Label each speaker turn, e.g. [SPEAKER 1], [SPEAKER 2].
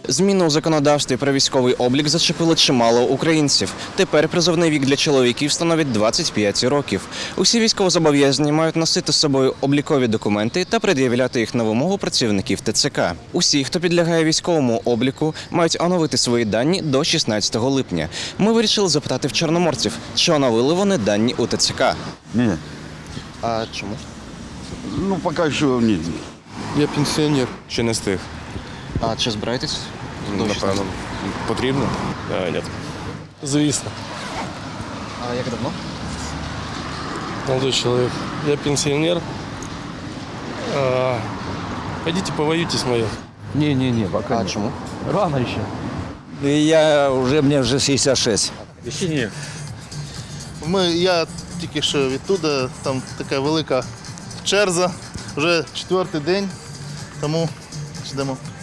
[SPEAKER 1] Зміни у законодавстві про військовий облік зачепили чимало українців. Тепер призовний вік для чоловіків становить 25 років. Усі військовозобов'язані мають носити з собою облікові документи та пред'являти їх на вимогу працівників ТЦК. Усі, хто підлягає військовому обліку, мають оновити свої дані до 16 липня. Ми вирішили запитати в чорноморців, чи оновили вони дані у ТЦК.
[SPEAKER 2] Ні.
[SPEAKER 1] А чому?
[SPEAKER 2] Ну, поки що ні.
[SPEAKER 3] Я пенсіонер.
[SPEAKER 4] Ще не встиг.
[SPEAKER 1] А чи збираєтесь?
[SPEAKER 4] Напевно. Потрібно? Ні.
[SPEAKER 3] Звісно,
[SPEAKER 1] А як давно?
[SPEAKER 3] молодой человек. Я пенсионер. Пойдите повоюйте с моим.
[SPEAKER 5] Не, пока
[SPEAKER 1] А
[SPEAKER 5] нет.
[SPEAKER 1] чому?
[SPEAKER 5] Рано еще. Мне уже 66.
[SPEAKER 6] Я тільки що відтуда, там така велика черза, вже 4-й день, тому ждемо.